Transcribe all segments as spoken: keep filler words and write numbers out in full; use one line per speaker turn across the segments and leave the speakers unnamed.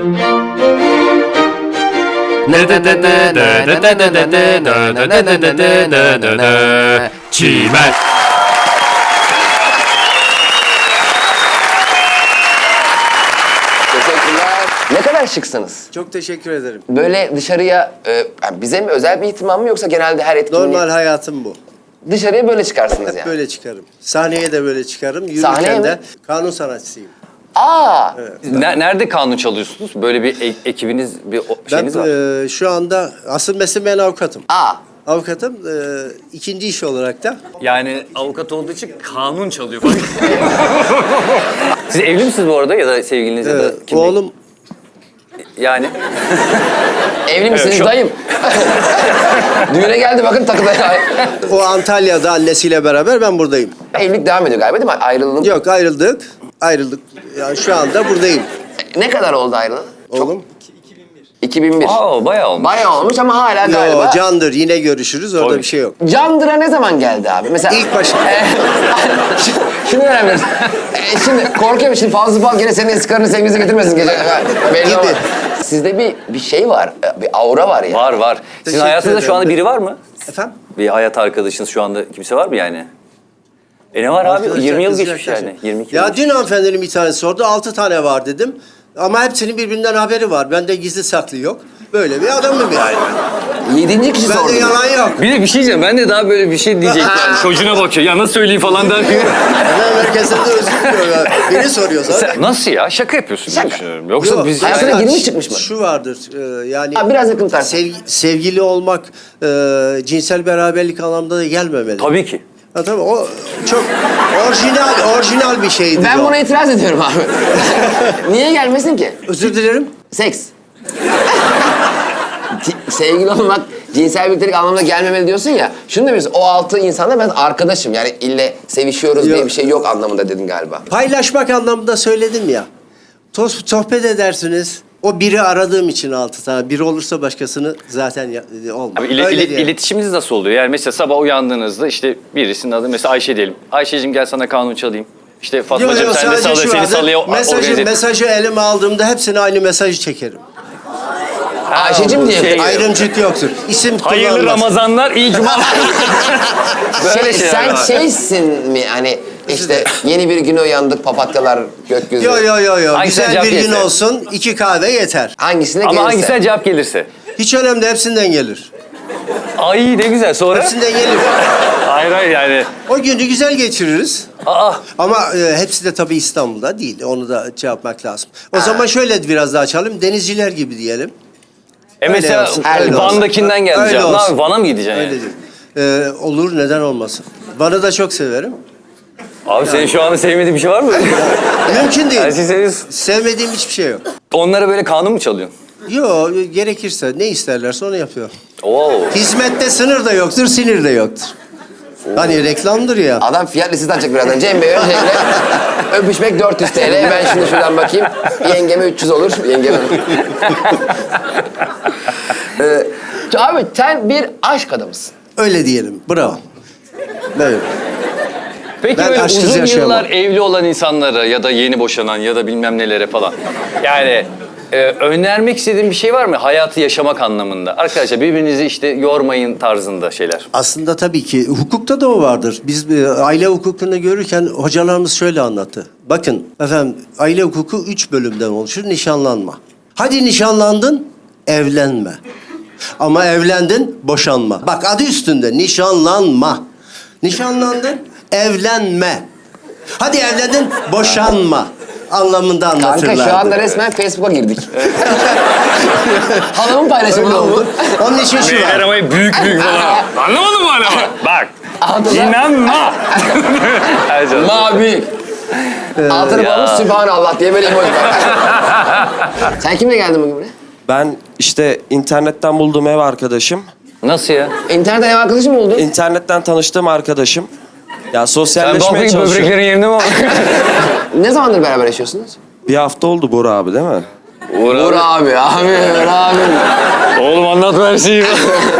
Çimen.
Ne kadar şıksınız.
Çok teşekkür ederim.
Böyle dışarıya, e, yani bize mi özel bir ihtimam mı yoksa genelde her etkinliğe...
Normal hayatım bu.
Dışarıya böyle çıkarsınız
Hep
yani.
böyle çıkarım. Sahneye de böyle çıkarım.
Sahneye
Yürürken
mi?
de kanun sanatçısıyım.
Aa!
Ne- Nerede kanun çalıyorsunuz? Böyle bir e- ekibiniz, bir o-
Ben
şeyiniz var.
e, şu anda asıl mesleğim ben avukatım.
Aa!
Avukatım e, ikinci iş olarak da
Yani avukat olduğu için kanun çalıyor falan. Siz evli misiniz bu arada ya da sevgiliniz ya
e,
da kim?
oğlum
Evli misiniz
şu-
dayım? Düğüne geldi bakın takıda ya.
o Antalya'da annesiyle beraber ben buradayım.
Evlilik devam ediyor galiba değil mi? Ayrılığın...
Yok ayrıldık. Ayrıldık. Yani şu anda buradayım.
Ne kadar oldu ayrılığı?
Oğlum.
iki bin bir.
Aa, bayağı olmuş.
Bayağı olmuş ama hala galiba...
Yo, candır yine görüşürüz orada
Tabii.
bir şey yok.
Candıra ne zaman geldi abi? Mesela...
İlk başta.
Ee, Şunu önemli. Ee, şimdi korkuyorum şimdi Fazlı Polat gene senin eski karını sevgilisi getirmesin gece. Belli
Gibi.
ama Sizde bir bir şey var, bir aura var ya.
Var var. Sizin
Teşekkür
hayatınızda şu
ederim.
anda biri var mı?
Efendim?
Bir hayat arkadaşınız şu anda kimse var mı yani? E ne var abi?
Arkadaşlar,
yirmi yıl
kız
geçmiş
arkadaşlar.
yani. yirmi iki yıl
Ya
geçmiş.
dün hanımefendinin bir tanesi sordu. Altı tane var dedim. Ama hepsinin birbirinden haberi var. Bende gizli saklı yok. Böyle bir adamım yani.
Yedinci kişi sordu.
Bende yalan yok.
Bir de bir şey diyeceğim. Ben de daha böyle bir şey diyecektim. Yani çocuğuna bakıyor. Ya nasıl söyleyeyim falan derken.
Hemen herkesten de özür diliyor. Beni soruyor zaten.
Nasıl ya? Şaka yapıyorsun diye düşünüyorum. Yoksa
Yok,
biz...
hayatına
yani
girmiş çıkmış mı?
Şu vardır e, yani...
Abi biraz yakın tartın.
sevgi- sevgili olmak e, cinsel beraberlik anlamda da gelmemeli.
Tabii ki.
Ha, tabii o çok orijinal orijinal bir şeydi.
Ben
o.
buna itiraz ediyorum abi. Niye gelmesin ki?
Özür dilerim.
Seks. Ci- Sevgili olmak, cinsel birliktelik anlamına gelmemeli diyorsun ya. Şunu demiyorsun, o altı insanla ben arkadaşım. Yani ille sevişiyoruz diye
Yok.
bir şey yok anlamında dedin galiba.
Paylaşmak anlamında söyledim ya. Toz, sohbet edersiniz. O biri aradığım için altı tane. Biri olursa başkasını zaten ya, olmaz.
Abi ile,
Öyle
ile-
diye.
iletişiminiz nasıl oluyor? Yani mesela sabah uyandığınızda işte birisinin adı mesela Ayşe diyelim. Ayşe'cim gel sana kanun çalayım. İşte
Yok,
Fatmacığım
yok,
sen de
sadece
salla,
şu
seni
vardır.
sallaya organize
mesajı,
et.
mesajı elime aldığımda hepsine aynı mesajı çekerim.
Ayşe'cim diye.
şey-
Ayrımcılık yoktur. İsim
Hayırlı
kullanmaz.
Ramazanlar, iyi cumalar. Böyle
Şey,
şeyler
sen
var.
şeysin mi hani işte yeni bir güne uyandık papatyalar gökyüzü.
Yo yo yo yo.
Hangisine
Güzel
cevap
bir gün
gelirse?
olsun. iki kahve yeter.
Hangisine
Ama
gelirse.
hangisine cevap gelirse.
Hiç önemli hepsinden gelir.
Ay ne güzel sonra.
Hepsinden gelir.
Hayır hayır yani.
O günü güzel geçiririz.
Aa.
Ama e, hepsi de tabii İstanbul'da değil. Onu da şey yapmak lazım. O zaman şöyle biraz daha açalım. Denizciler gibi diyelim.
E mesela
olsun,
öyle olsun.
Van'dakinden geldi
Öyle
cevap. Ne
olsun.
yapayım, Van'a mı gideceksin
Öyle
yani?
değil. Ee, olur neden olmasın. Van'ı da çok severim.
Abi senin şu anda sevmediğin bir şey var mı?
Mümkün değil.
Her şeyi seviyorsun.
Sevmediğim hiçbir şey yok.
Onlara böyle kanun mu çalıyorsun?
Yok gerekirse ne isterlerse onu yapıyor.
Oo.
Hizmette sınır da yoktur, sinir de yoktur. Hani reklamdır ya.
Adam fiyat listesi açacak birazdan. Cem Bey öncelikle öpüşmek dört yüz T L. Ben şimdi şuradan bakayım. Yengeme üç yüz olur. Yengeme. ee, abi sen bir aşk adamısın.
Öyle diyelim. Bravo. Böyle.
Peki
Ben
böyle
aşksız
uzun
yaşayamam.
yıllar evli olan insanlara ya da yeni boşanan ya da bilmem nelere falan. Yani e, önermek istediğin bir şey var mı? Hayatı yaşamak anlamında. Arkadaşlar birbirinizi işte yormayın tarzında şeyler.
Aslında tabii ki hukukta da o vardır. Biz e, aile hukukunu görürken hocalarımız şöyle anlattı. Bakın efendim aile hukuku üç bölümden oluşur. Nişanlanma. Hadi nişanlandın, evlenme. Ama evlendin, boşanma. Bak adı üstünde nişanlanma. Nişanlandın, evlenme. Hadi evlendin, boşanma anlamında anlatırlardı.
Kanka şu anda resmen Facebook'a girdik. Halamın paylaşımı
Öyle
oldu.
oldu. Onun için şu var.
aramayı büyük büyük falan. Anlamadın mı hala? Bak.
Anladın mı?
İnanma. Her canım.
Mavi. Altını
ya.
bağlamış Sübhanallah diye böyle emoji var. Sen kimle geldin bugün buraya?
Ben işte internetten bulduğum ev arkadaşım.
Nasıl ya?
İnternetten ev arkadaşım mı oldun?
İnternetten tanıştığım arkadaşım. Ya
Sen
sosyalleşmeye
bakayım
çalışıyorum.
böbreklerin yerinde mi var?
Ne zamandır beraber yaşıyorsunuz?
Bir hafta oldu Bora abi değil mi?
Uğur
Uğur abi, abi, Uğur abi.
Oğlum anlat her şeyi.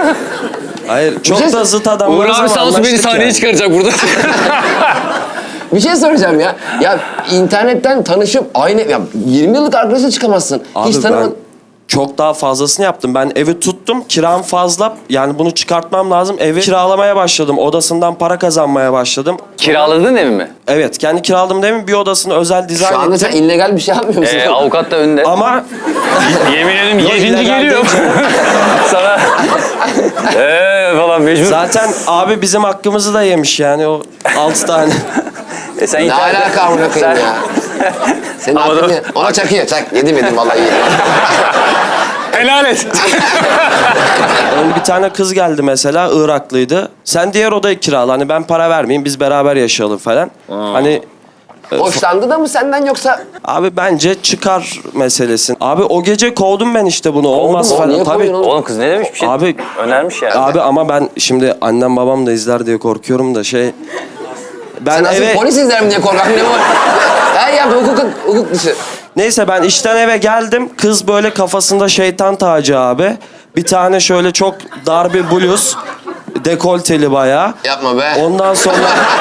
Hayır çok
şey-
da zıt adamlarız
Uğur abi
ama
sağ olsun beni
anlaştık
sahneye
yani.
çıkaracak burada.
Bir şey soracağım ya. Ya internetten tanışıp aynı ya yirmi yıllık arkadaşla çıkamazsın.
Abi
Hiç
ben
tanımadın.
çok daha fazlasını yaptım. Ben evi tuttum, kiram fazla. Yani bunu çıkartmam lazım. Evi kiralamaya başladım. Odasından para kazanmaya başladım.
Kiraladın evi mi?
Evet, kendi kiraladım değil mi? Bir odasını özel dizayn
Şu anda
ettim.
sen illegal bir şey yapmıyor musun?
Ee, avukat da önde.
Ama
Yemin ederim
Yok,
yedinci
illegal
geliyor.
değil canım.
Sana. Eee falan mecbur.
zaten abi bizim hakkımızı da yemiş yani o altı tane.
E sen
Ne
internet-
alaka amına koyayım
Sen-
ya? Senin
Ama
aklın
da-
ya. Ona çakıyor. Çak. Yedim yedim vallahi yedim.
Helal et.
Onun bir tane kız geldi mesela, Iraklıydı. Sen diğer odayı kirala, hani ben para vermeyeyim, biz beraber yaşayalım falan. Hani
Hoşlandı da mı senden yoksa?
abi bence çıkar meselesin. Abi o gece kovdum ben işte bunu, olmaz
mu?
falan.
Niye
Tabii.
kovuyorsun oğlum?
Oğlum kız ne demiş bir şey?
Abi
Önermiş yani.
Abi ama ben şimdi annem babam da izler diye korkuyorum da şey... Ben
Sen nasıl
eve...
polis izler mi diye korkak ne bu? Her yaptı hukuk, hukuk dışı.
Neyse ben işten eve geldim. Kız böyle kafasında şeytan tacı abi. Bir tane şöyle çok dar bir bluz. Dekolteli bayağı.
Yapma be.
Ondan sonra...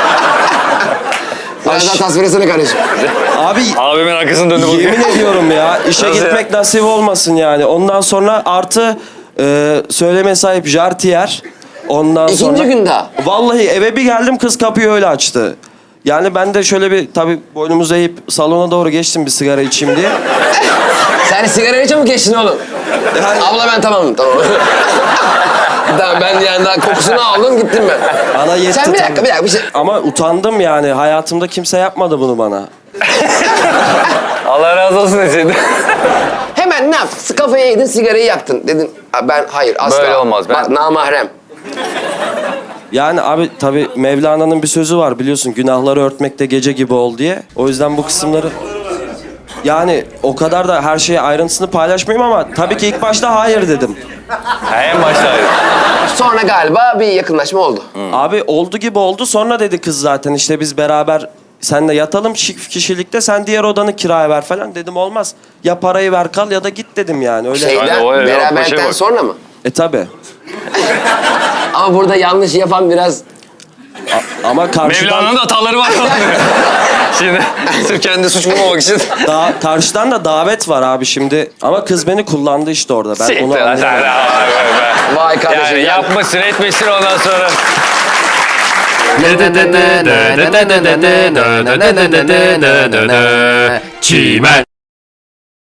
Biraz daha
Aş-
tasvir etsene kardeşim.
Abi
Abimin arkasını döndü bakıyor.
yemin ediyorum ya, işe
Nasıl
gitmek nasip olmasın yani. Ondan sonra artı e, söyleme sahip jartiyer. Ondan
İkinci
sonra...
gün daha.
Vallahi eve bir geldim, kız kapıyı öyle açtı. Yani ben de şöyle bir tabii boynumuzu eğip salona doğru geçtim bir sigara içeyim diye.
Sen sigarayı çabuk geçtin oğlum.
Yani-
Abla ben tamamım tamam. Daha ben yani daha kokusunu aldım gittim ben.
Bana yetti
Sen bir dakika
tabii.
bir dakika bir şey.
Ama utandım yani. Hayatımda kimse yapmadı bunu bana.
Allah razı olsun deseydin.
Hemen ne yaptın? Kafayı yedin sigarayı yaktın. Dedin "Aa, ben hayır asla.
Böyle olmaz, ben-
Bak namahrem.
Yani abi tabii Mevlana'nın bir sözü var biliyorsun. Günahları örtmekte gece gibi ol diye. O yüzden bu kısımları... Yani o kadar da her şeyi ayrıntısını paylaşmayayım ama tabii ki ilk başta hayır dedim.
Ha, en baştaydı.
Sonra galiba bir yakınlaşma oldu.
Abi oldu gibi oldu. Sonra dedi kız zaten işte biz beraber seninle yatalım çift kişilikte, sen diğer odanı kiraya ver falan. Dedim olmaz. Ya parayı ver kal ya da git dedim yani. Öyle.
Şeyden
Aynen, o öyle, o
beraberlikten
şey bak.
sonra mı?
E tabii.
Ama burada yanlış yapan biraz...
Ama karşıdan...
Mevlana'nın da hataları var. Şimdi sırf kendi suç bulmamak için.
Da, karşıdan da davet var abi şimdi. Ama kız beni kullandı işte orada. Ben onu
Siktir lan sen.
anlayamadım.
Vay kardeşim.
Yani
ya.
yapmışsın etmişsin ondan sonra.
Çimen